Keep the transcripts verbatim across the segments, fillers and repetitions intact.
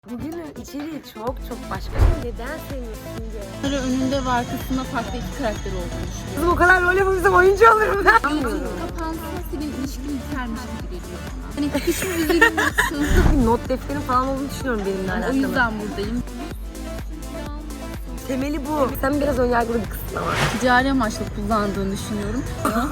Bugünün içeriği çok çok başka. Neden sevmiyorsun diye. Kamera önünde ve arkasında farklı iki karakter olduğunu düşünüyorum. Kızım o kadar rol yapabilsem oyuncu olurum ben. Gözün kapansa senin ilişkin bitermiş gibi geliyor bana. Hani hiç mi üzülmüyorsun? Bir not defterim falan olduğunu düşünüyorum benimle alakalı. O yüzden buradayım. Temeli bu. Sen biraz önyargılı bir kızsın ama. Ticari amaçlı kullandığını düşünüyorum.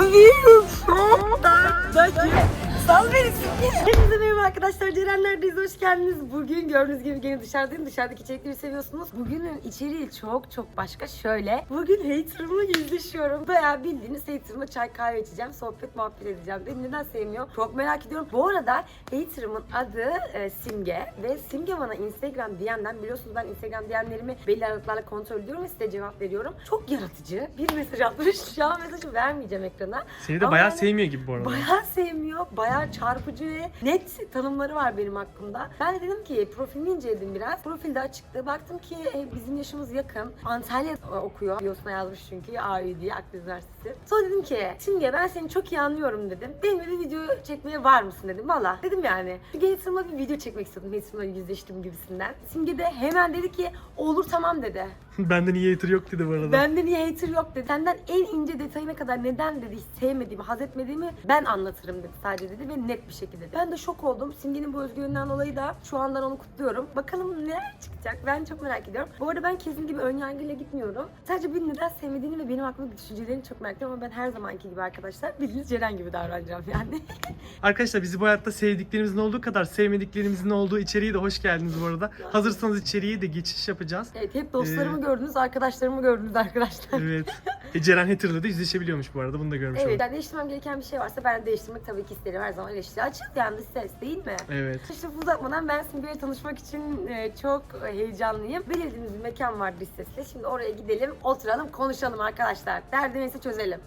Sal beni siktir. Hepinize merhaba arkadaşlar. Cerenler'deyiz. Hoş geldiniz. Bugün gördüğünüz gibi gene dışarıdayım. Dışarıdaki içerikleri seviyorsunuz. Bugünün içeriği çok çok başka. Şöyle. Bugün haterımla yüzleşiyorum. Bayağı bildiğiniz haterımla çay kahve içeceğim. Sohbet muhabbet edeceğim. Beni neden sevmiyor? Çok merak ediyorum. Bu arada haterımın adı e, Simge. Ve Simge bana Instagram D M'den, biliyorsunuz ben Instagram D M'lerimi belli aralıklarla kontrol ediyorum ve size cevap veriyorum. Çok yaratıcı bir mesaj atmış. Şu an mesajı vermeyeceğim ekrana. Seni de Ama bayağı yani sevmiyor gibi bu arada. Bayağı sevmiyor. Bayağı çarpıcı ve net tanımları var benim hakkımda. Ben de dedim ki profilini inceledim biraz. Profilde açıktı. Baktım ki e, bizim yaşımız yakın. Antalya okuyor. Biosuna yazmış çünkü. A Ü diye, Akdeniz Üniversitesi. Sonra dedim ki Simge ben seni çok iyi anlıyorum dedim. Benimle bir video çekmeye var mısın dedim. Valla dedim yani. Simge Hater'ımla bir video çekmek istedim. Hater'ımla yüzleştim gibisinden. Simge de hemen dedi ki olur tamam dedi. Benden iyi hater yok dedi bu arada. Bende niye hater yok dedi. Senden en ince detayına kadar neden dedi hiç sevmediğimi, haz etmediğimi ben anlatırım dedi sadece dedi ve net bir şekilde. Ben de şok oldum. Simge'nin bu özgüveninden dolayı da şu andan onu kutluyorum. Bakalım neler çıkacak. Ben çok merak ediyorum. Bu arada ben kesin gibi önyargıyla gitmiyorum. Sadece beni neden sevmediğini ve benim hakkımda düşüncelerini çok merak ediyorum ama ben her zamanki gibi arkadaşlar bildiğiniz Ceren gibi davranacağım yani. Arkadaşlar bizi bu hayatta sevdiklerimizin olduğu kadar sevmediklerimizin olduğu içeriği de hoş geldiniz bu arada. Hazırsanız içeriği de geçiş yapacağız. Evet, hep dostlarımı Ee, gördünüz, arkadaşlarımı gördünüz arkadaşlar. Evet. E, Ceren hater'la da yüzleşebiliyormuş bu arada. Bunu da görmüş Evet, olduk. yani değiştirmem gereken bir şey varsa ben de değiştirmek tabii ki isterim. Her zaman eleştiri açık yani dış ses değil mi? Evet. İşte uzatmadan ben Simge'yle tanışmak için e, çok heyecanlıyım. Belirlediğimiz bir mekan var dış sesle. Şimdi oraya gidelim, oturalım, konuşalım arkadaşlar. Derdimizi çözelim.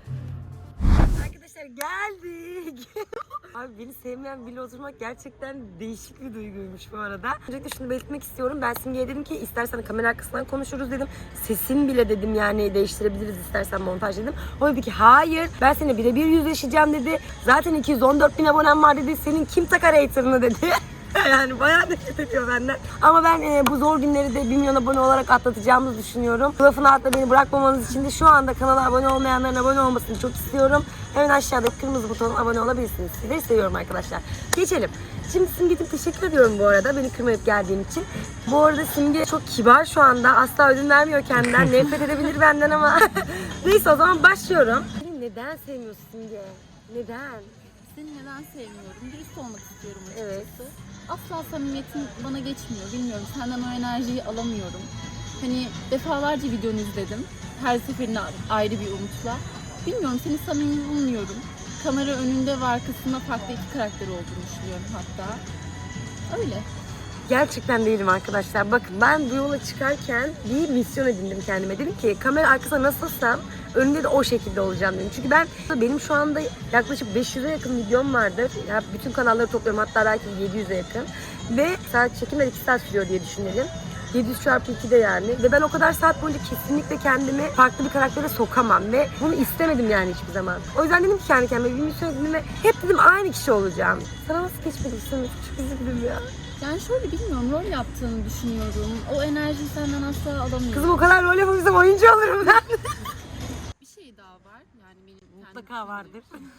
Arkadaşlar geldik. Abi beni sevmeyen biriyle oturmak gerçekten değişik bir duyguymuş bu arada. Öncelikle şunu belirtmek istiyorum. Ben Simge'ye dedim ki istersen kamera arkasından konuşuruz dedim. Sesin bile dedim yani değiştirebiliriz istersen montaj dedim. O dedi ki hayır ben seninle birebir yüzleşeceğim dedi. Zaten iki yüz on dört bin abonem var dedi. Senin kim takar hater'ını dedi. Yani bayağı nefret ediyor benden. Ama ben e, bu zor günleri de bir milyon abone olarak atlatacağımızı düşünüyorum. Bu lafın altında beni bırakmamanız için de şu anda kanala abone olmayanların abone olmasını çok istiyorum. Hemen aşağıdaki kırmızı butonuna abone olabilirsiniz. Sizleri seviyorum arkadaşlar. Geçelim. Şimdi Simge'cim teşekkür ediyorum bu arada beni kırmayıp geldiğin için. Bu arada Simge çok kibar şu anda. Asla ödün vermiyor kendinden. Nefret edebilir benden ama. Neyse o zaman başlıyorum. Neden sevmiyorsun Simge? Neden? Seni neden sevmiyorum? Dürüst olmak istiyorum açıkçası. Evet. Asla samimiyetin bana geçmiyor. Bilmiyorum, senden o enerjiyi alamıyorum. Hani defalarca videonu izledim. Her seferinde ayrı bir umutla. Bilmiyorum, seni samimi bulmuyorum. Kamera önünde ve arkasında farklı iki karakter olduğunu düşünüyorum hatta. Öyle. Gerçekten değilim arkadaşlar. Bakın ben bu yola çıkarken bir misyon edindim kendime. Dedim ki kamera arkasında nasılsam önünde de o şekilde olacağım dedim. Çünkü ben benim şu anda yaklaşık beş yüze yakın videom vardır. Ya bütün kanalları topluyorum hatta belki yedi yüze yakın. Ve saat çekimler iki saat sürüyor diye düşünelim. yedi yüz çarpı ikide yani. Ve ben o kadar saat boyunca kesinlikle kendimi farklı bir karaktere sokamam. Ve bunu istemedim yani hiçbir zaman. O yüzden dedim ki kendi kendime bir misyon edindim ve hep dedim aynı kişi olacağım. Sana nasıl geçmedi Sınıf? Çok üzüldüm ya. Yani şöyle bilmiyorum, rol yaptığını düşünüyorum. O enerjiyi senden asla alamıyorum. Kızım o kadar rol yapabilsem oyuncu olurum ben. Bir şey daha var. Yani benim Mutlaka vardır.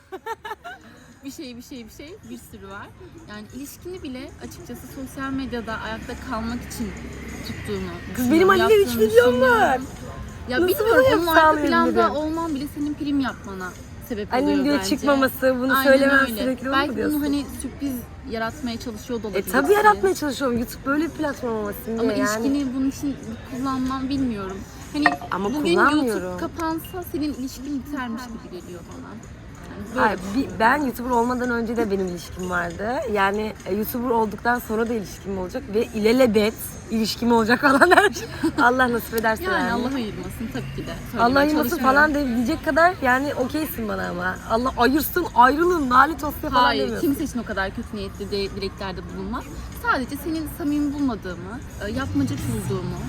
bir şey bir şey bir şey bir sürü var. Yani ilişkini bile açıkçası sosyal medyada ayakta kalmak için tuttuğunu. Kız benim Ali'yle üç videom var. Ya Nasıl bilmiyorum, bunu onun arka sağlayabilirim? planda olman bile senin prim yapmana sebep oluyor Annenin diyor bence. çıkmaması, bunu Aynen söylemem öyle. sürekli olur Belki mu diyorsun? bunu hani sürpriz yaratmaya çalışıyor da E olabilir. tabii yaratmaya çalışıyorum. YouTube böyle bir platform olmasın diye Ama yani. ilişkini bunun için kullanmam bilmiyorum. Hani Ama bugün kullanmıyorum. YouTube kapansa senin ilişkin bitermiş gibi geliyor bana. Yani böyle Ay, bir- ben YouTuber olmadan önce de benim ilişkim vardı. Yani e, YouTuber olduktan sonra da ilişkim olacak ve ilelebet ilişkim olacak falan her şey. Allah nasip ederse yani. yani Allah ayırmasın tabii ki de. Allah Söylemeye ayırmasın çalışmıyorum. falan de diyecek kadar yani okeysin bana ama. Allah ayırsın, ayrılın, lanet olsun falan Hayır, demiyorsun. kimse için o kadar kötü niyetli de, dileklerde bulunmaz. Sadece senin samimi bulmadığımı, e, yapmacık bulduğumu,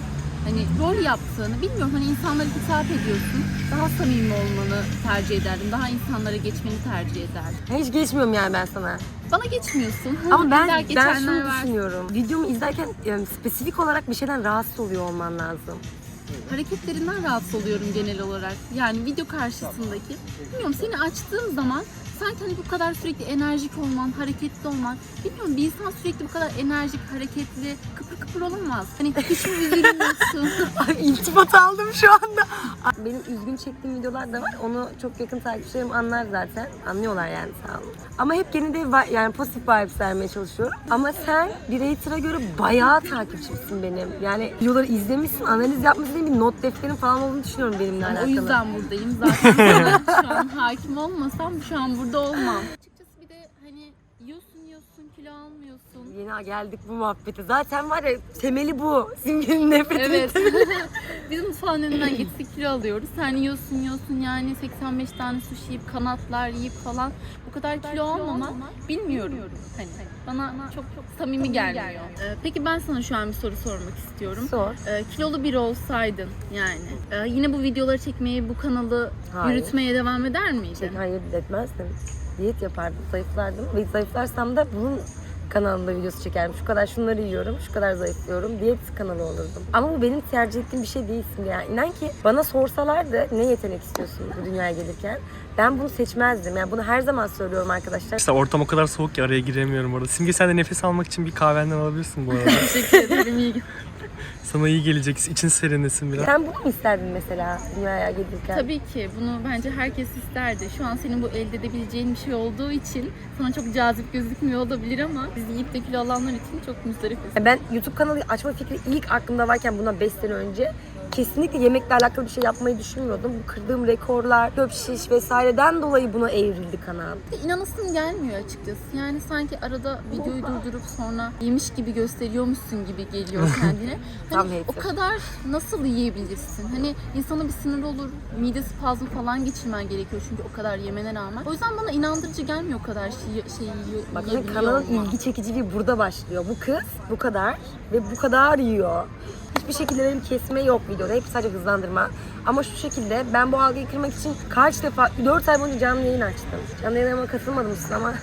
hani rol yaptığını bilmiyorum, hani insanlara hitap ediyorsun. Daha samimi olmanı tercih ederdim. Daha insanlara geçmeni tercih ederdim. Hiç geçmiyorum yani ben sana. Bana geçmiyorsun. Ama ben İlla ben geçenler şunu var. düşünüyorum. Videomu izlerken yani spesifik olarak bir şeyden rahatsız oluyor olman lazım. Hareketlerinden rahatsız oluyorum genel olarak. Yani video karşısındaki. Bilmiyorum, seni açtığım zaman sanki hani bu kadar sürekli enerjik olman, hareketli olman. Bilmiyorum, bir insan sürekli bu kadar enerjik, hareketli, kıpır kıpır olamaz. Hani hiç mi üzülmüyorsun? Ay iltifat aldım şu anda. Benim üzgün çektiğim videolar da var. Onu çok yakın takipçilerim anlar zaten. Anlıyorlar yani, sağ olun. Ama hep gene de vi- yani pozitif vibes vermeye çalışıyorum. Ama sen bir hater'a göre bayağı takipçimsin benim. Yani videoları izlemişsin, analiz yapmışsın, bir not defterin falan olduğunu düşünüyorum benimle alakalı. O yüzden buradayım. Zaten sana şu an hakim olmasam şu an burada olmam. Açıkçası bir de hani yiyorsun yiyorsun, kilo almıyorsun. Yeni geldik bu muhabbete. Zaten var ya, temeli bu. Simge'nin nefret Evet. ettiği. Biz mutfağın önünden geçtik kilo alıyoruz. Sen yiyorsun yiyorsun yani seksen beş tane sushi yiyip kanatlar yiyip falan. Bu kadar kilo almaman bilmiyorum. Hani bana çok çok samimi gelmiyor. Ee, Peki ben sana şu an bir soru sormak istiyorum. Sor. Ee, kilolu biri olsaydın yani e, yine bu videoları çekmeye, bu kanalı Hayır. yürütmeye devam eder miydin? Şey, hayır etmezdim. Diyet yapardım, zayıflardım. Ve zayıflarsam da bunun kanalında videosu çekerim. Şu kadar şunları yiyorum, şu kadar zayıflıyorum. Diyet kanalı olurdum. Ama bu benim tercih ettiğim bir şey değilsin yani. İnan ki bana sorsalardı ne yetenek istiyorsun bu dünyaya gelirken, ben bunu seçmezdim. Yani bunu her zaman söylüyorum arkadaşlar. İşte ortam o kadar soğuk ki araya giremiyorum orada. Simge, sen de nefes almak için bir kahvenden alabilirsin bu arada. Teşekkür ederim. İyi. Sana iyi gelecek. İçin serinlesin biraz. Sen bunu mu isterdin mesela dünyaya gelirken? Tabii ki bunu bence herkes isterdi. Şu an senin bu elde edebileceğin bir şey olduğu için sana çok cazip gözükmüyor olabilir ama biz yiyip de kilo alanlar için çok müzdarifiz. Ben YouTube kanalı açma fikri ilk aklımda varken bundan beş sene önce kesinlikle yemekle alakalı bir şey yapmayı düşünmüyordum. Bu kırdığım rekorlar, çöp şiş vesaireden dolayı buna evrildi kanal. İnanasım gelmiyor açıkçası. Yani sanki arada videoyu durdurup sonra yemiş gibi gösteriyormuşsun gibi geliyor kendine. Tam Hani o hater. kadar nasıl yiyebilirsin? Hani insana bir sinir olur, mide spazmı falan geçirmen gerekiyor çünkü o kadar yemene rağmen. O yüzden bana inandırıcı gelmiyor o kadar şey, şey yiyor, Bak yiyebiliyor kanalın olman. ilgi çekiciliği burada başlıyor. Bu kız bu kadar ve bu kadar yiyor. Hiçbir şekilde benim kesme yok videoda. Hep sadece hızlandırma. Ama şu şekilde ben bu algıyı kırmak için kaç defa, dört ay boyunca canlı yayın açtım. Canlı yayınlarıma katılmadım siz ama.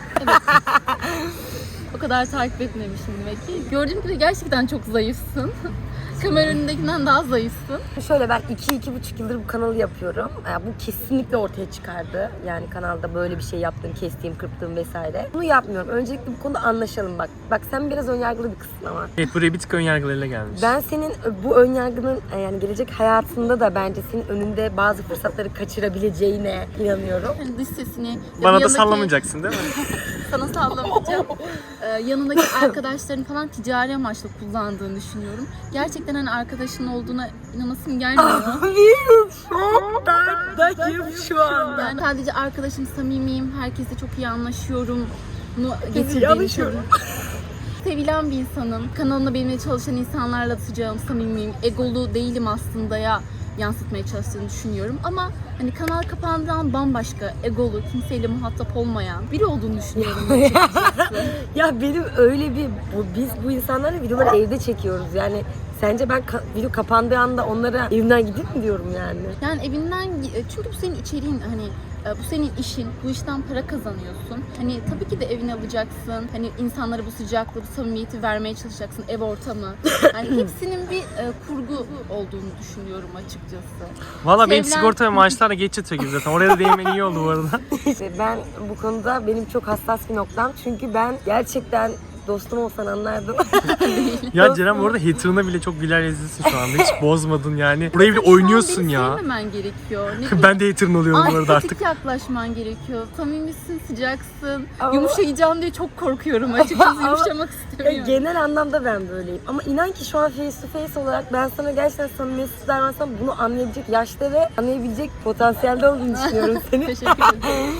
O kadar takip etmemişim demek ki. Gördüğüm gibi gerçekten çok zayıfsın. Kamera önündekinden daha zayıfsın. Şöyle, ben iki iki buçuk yıldır bu kanalı yapıyorum. Yani bu kesinlikle ortaya çıkardı. Yani kanalda böyle bir şey yaptım, kestiğim, kırptığım vesaire. Bunu yapmıyorum. Öncelikle bu konuda anlaşalım bak. Bak sen biraz önyargılı bir kızsın ama. Evet, buraya bir tık önyargılarıyla gelmiş. Ben senin bu önyargının yani gelecek hayatında da bence senin önünde bazı fırsatları kaçırabileceğine inanıyorum. Hani dış sesini... ya Bana bu da yanındaki- sallamayacaksın değil mi? Sana sallamayacağım. Ee, yanındaki arkadaşların falan ticari amaçla kullandığını düşünüyorum. Gerçekten hani arkadaşın olduğuna inanasım gelmiyor. Benim şoktayım şu anda. Yani sadece arkadaşım, samimiyim, herkesle çok iyi anlaşıyorum. Bunu iyi getirdiğini anlaşıyorum. Sevilen bir insanım. Kanalımda benimle çalışan insanlarla sıcağım, samimiyim. Egolu değilim aslında ya yansıtmaya çalıştığını düşünüyorum. Ama hani kanal kapandığından bambaşka, egolu, kimseyle muhatap olmayan biri olduğunu düşünüyorum açıkçası. Ya benim öyle bir, bu, biz bu insanlarla videoları evde çekiyoruz yani. Sence ben ka- video kapandığı anda onlara evimden gideyim mi diyorum yani? Yani evinden, çünkü bu senin içeriğin, hani bu senin işin, bu işten para kazanıyorsun. Hani tabii ki de evini alacaksın. Hani insanlara bu sıcaklığı, bu samimiyeti vermeye çalışacaksın, ev ortamı. Yani hepsinin bir e, kurgu olduğunu düşünüyorum açıkçası. Valla benim Sevilen- sigorta ve maaşlarla geç yatıyor gibi zaten. Oraya da değinmen iyi oldu bu arada. İşte ben bu konuda benim çok hassas bir noktam. Çünkü ben gerçekten dostum olsan anlardın. Ya Ceren, bu arada hater'ına bile çok güler yüzlüsün şu anda. Hiç bozmadın yani. Buraya bile oynuyorsun Şu an beni ya. sevmemen gerekiyor. Ne bileyim, Ben de hater'ın oluyorum bu arada antipatik artık. yaklaşman gerekiyor. Samimisin, sıcaksın. Ama- Yumuşayacağım diye çok korkuyorum açıkçası. Ama- Yumuşamak Ya istemiyorum. genel anlamda ben böyleyim. Ama inan ki şu an face to face olarak ben sana gerçekten samimiyetsiz davransam bunu anlayabilecek yaşta ve anlayabilecek potansiyelde olduğunu düşünüyorum seni. Teşekkür ederim.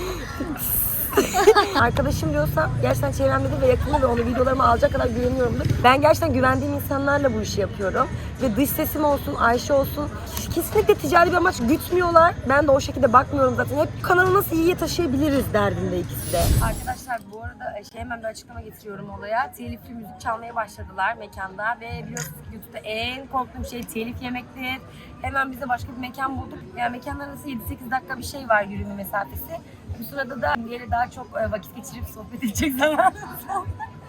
Arkadaşım diyorsam gerçekten çevremde ve yakında ve onu videolarıma alacak kadar güveniyorumdur. Ben gerçekten güvendiğim insanlarla bu işi yapıyorum. Ve dış sesim olsun, Ayşe olsun, kesinlikle ticari bir amaç gütmüyorlar. Ben de o şekilde bakmıyorum zaten. Hep kanalı nasıl iyiye taşıyabiliriz derdinde ikisi de. Arkadaşlar bu arada şey hemen bir açıklama getiriyorum olaya. Telifli müzik çalmaya başladılar mekanda ve biliyorsunuz ki YouTube'da en korktuğum şey telif yemektir. Hemen biz de başka bir mekan bulduk. Yani mekanlar arası yedi sekiz dakika bir şey var yürüme mesafesi. Bu sırada da diğeri daha çok vakit geçirip sohbet edecek zamanımız oldu.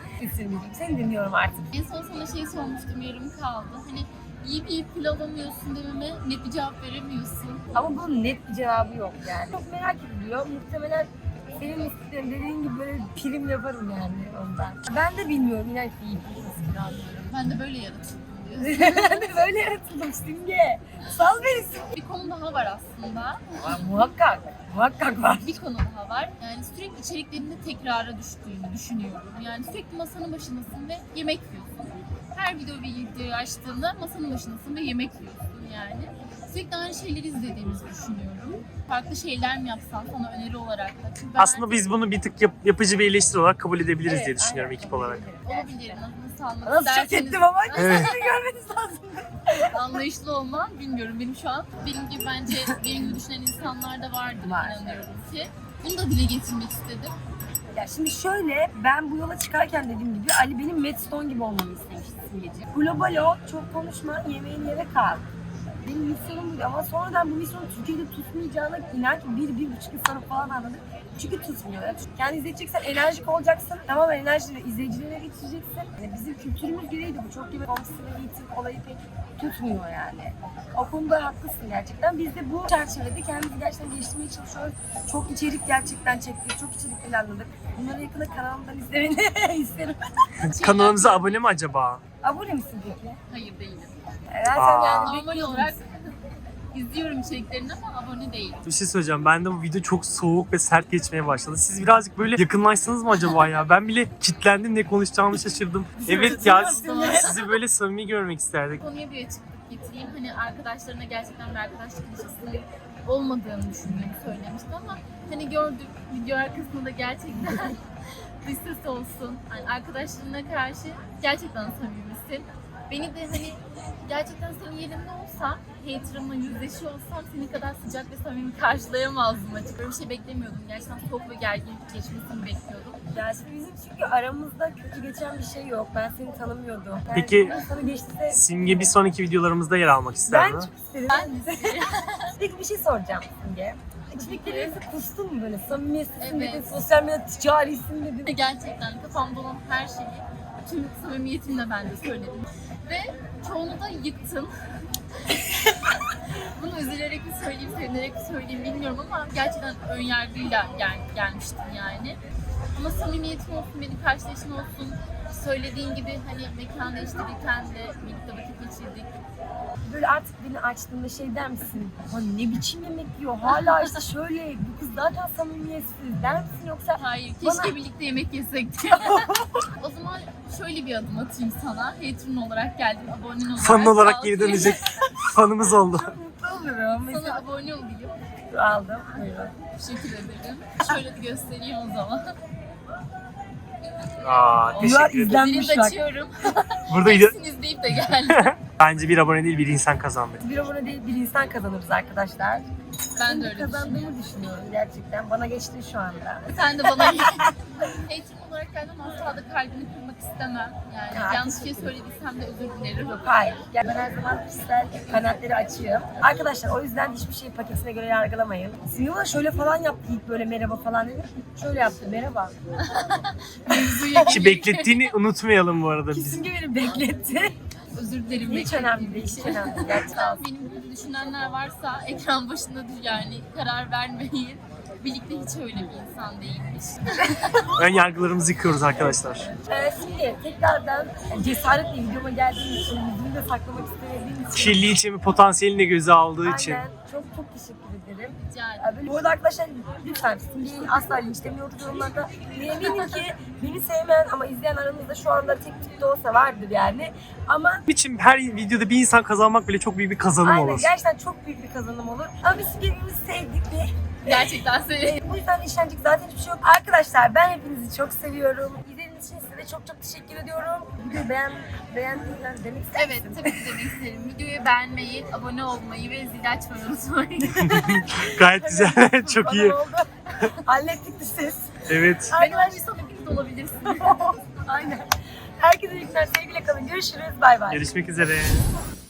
Seni dinliyorum artık. En son sana şey sormuştum, yarım kaldı. Hani yiyip yiyip kilo alamıyorsun dememe net bir cevap veremiyorsun. Ama bunun net bir cevabı yok yani. Çok merak ediliyor. Muhtemelen senin istediğin dediğin gibi böyle prim yaparım yani ondan. Ben de bilmiyorum inan ki yiyip nasıl kilo alıyorum. Ben de böyle yaratıldım diyorsun. Ben de böyle yaratıldım Simge. Sal beni Simge. Bir konu daha var aslında. Var, muhakkak. Muhakkak var. Bir konu daha var. Yani sürekli içeriklerinde tekrara düştüğünü düşünüyorum. Yani sürekli masanın başındasın ve yemek yiyorsun. Her video bir videoyu açtığında masanın başındasın ve yemek yiyorsun yani. Sürekli aynı şeyleri izlediğimizi düşünüyorum. Farklı şeyler mi yapsan sana öneri olarak da. Çünkü ben Aslında biz bunu bir tık yap- yapıcı bir eleştiri olarak kabul edebiliriz Evet, diye düşünüyorum aynen. ekip olarak. olabilir. Nasıl anlamak Nasıl çok isterseniz ettim ama Evet. seni görmeniz lazım. anlayışlı olman bilmiyorum benim şu an. Benim gibi bence benim gibi düşünen insanlar da vardır Var. inanıyorum ki. Bunu da dile getirmek istedim. Ya şimdi şöyle, ben bu yola çıkarken dediğim gibi Ali benim Matt Stone gibi olmamı istemişti Simgeciğim. Global o, çok konuşma, yemeğini yere kal. Benim misyonum buydu ama sonradan bu misyonun Türkiye'de tutmayacağına inan ki bir, bir buçuk yıl sonra falan anladım. Çünkü tutmuyor. Yani kendi izleyeceksen enerjik olacaksın. Tamamen enerjini izleyicilere geçireceksin. Yani bizim kültürümüz gereğiydi bu. Çok gibi olması ve eğitim olayı pek tutmuyor yani. O konuda haklısın gerçekten. Biz de bu çerçevede kendimizi gerçekten geliştirmeye çalışıyoruz. Çok içerik gerçekten çektik. Çok içerik planladık. Bunları yakında kanalımdan izlemeni isterim. Kanalımıza abone mi acaba? Abone misin peki? Hayır değilim. Evet, sen Aa. yani Normal bekliyorum. olarak izliyorum içeriklerini ama abone değilim. Bir şey söyleyeceğim. Ben de bu video çok soğuk ve sert geçmeye başladı. Siz birazcık böyle yakınlaşsanız mı acaba ya? Ben bile kitlendim, ne konuşacağımı şaşırdım. Evet ya, sizi böyle samimi görmek isterdik. Konuya bir açıklık getireyim. Hani arkadaşlarına gerçekten bir arkadaşlık ilişkisi olmadığını düşündüğümü söylemişti ama hani gördük video arkasında da gerçekten dış ses olsun. Yani arkadaşlarına karşı gerçekten samimisin. Beni de hani gerçekten senin yerinde olsam, haterımla yüzleşiyor olsam senin kadar sıcak ve samimi karşılayamazdım açık. Böyle bir şey beklemiyordum. Gerçekten soğuk ve gergin geçmesini bekliyordum. Ya şimdi bizim çünkü aramızda kötü geçen bir şey yok. Ben seni tanımıyordum. Yani Peki, sana geçti. Simge bir sonraki videolarımızda yer almak ister Ben mi? çok isterim. Ben de Peki bir şey soracağım Simge. İçerikleri kustun mu böyle? Samimiyetsin Evet. dedin, sosyal medya ticarisin dedin. gerçekten kafamda olan her şeyi tüm samimiyetimle ben de söyledim. Ve çoğunu da yıktın. Bunu üzülerek mi söyleyeyim, sevinerek mi söyleyeyim bilmiyorum ama gerçekten önyargıyla gel, gelmiştim yani. Ama samimiyetin olsun, benim karşılaşın olsun, söylediğin gibi hani mekan değiştirirken de birlikte vakit geçirdik. Böyle artık beni açtığında şey der misin? Ha ne biçim yemek yiyor? Hala işte şöyle, bu kız zaten samimiyetsiz der misin yoksa? Hayır, keşke Bana- birlikte yemek yesek diye. O zaman şöyle bir adım atayım sana. Hatun olarak geldim, abonen olarak. Fan olarak geri kalkayım. dönecek fanımız oldu. Çok mutlu olurum. Sana Mesela abone olayım. aldım. Buyurun. Teşekkür ederim. Şöyle de göstereyim o zaman. Aa, Bunlar teşekkür ederim. izlenmiş Zili de bak. açıyorum. Burada ide- Hepsini izleyip de geldim. bence bir abone değil bir insan kazandı. Bir abone değil bir insan kazanırız arkadaşlar. Ben de öyle düşünüyorum. kazandığımı düşünüyorum gerçekten. Bana geçti şu anda. Sen de bana Hatun olarak geldim, asla da kalbini kırmak istemem. Yani Ha, yanlış şey teşekkür ederim. söylediysem de özür dilerim. Yok hayır. Yani ben her zaman kişisel kanaatleri açığım. Arkadaşlar o yüzden hiçbir şeyi paketine göre yargılamayın. Simona şöyle falan yaptı ilk böyle merhaba falan dedi. Şöyle yaptı merhaba. Mevzuya Ki beklettiğini unutmayalım bu arada biz. Kesinlikle beni bekletti. özür dilerim. Hiç beklediğim önemli değil, hiç için. önemli değil. Gerçekten. Benim gibi düşünenler varsa ekran başında dur yani karar vermeyin. Birlikte hiç öyle bir insan değilmiş. Ön yargılarımızı yıkıyoruz arkadaşlar. Ee, şimdi tekrardan cesaretle videoma geldiğim için, yüzümü de saklamak istemediğim için. Kirli içimi potansiyelini de göze aldığı için. Aynen. Çok çok teşekkür ederim. Rica ederim. Ya böyle- Bu arada arkadaşlar lütfen Simge'yi asla linçlemiyoruz yorumlarda. Eminim ki beni sevmeyen ama izleyen aranızda şu anda tek tip de olsa vardır yani. Ama Biçim her videoda bir insan kazanmak bile çok büyük bir kazanım aynen olur. gerçekten çok büyük bir kazanım olur. Ama biz birbirimizi sevdik ve Gerçekten seni. bu yüzden işlenecek zaten hiçbir şey yok. Arkadaşlar ben hepinizi çok seviyorum. İzlediğiniz için size de çok çok teşekkür ediyorum. Videoyu beğen, beğendiğinden demek ister Evet, misin? tabii ki demek isterim. Videoyu beğenmeyi, abone olmayı ve zil açmayı unutmayın. Gayet güzel. Çok Bana iyi. oldu. Hallettik de ses. Evet. Ben olmaysam hepiniz olabilirsiniz. Aynen. Herkese iyi günler. Sevgiyle kalın. Görüşürüz. Bay bay. Görüşmek üzere.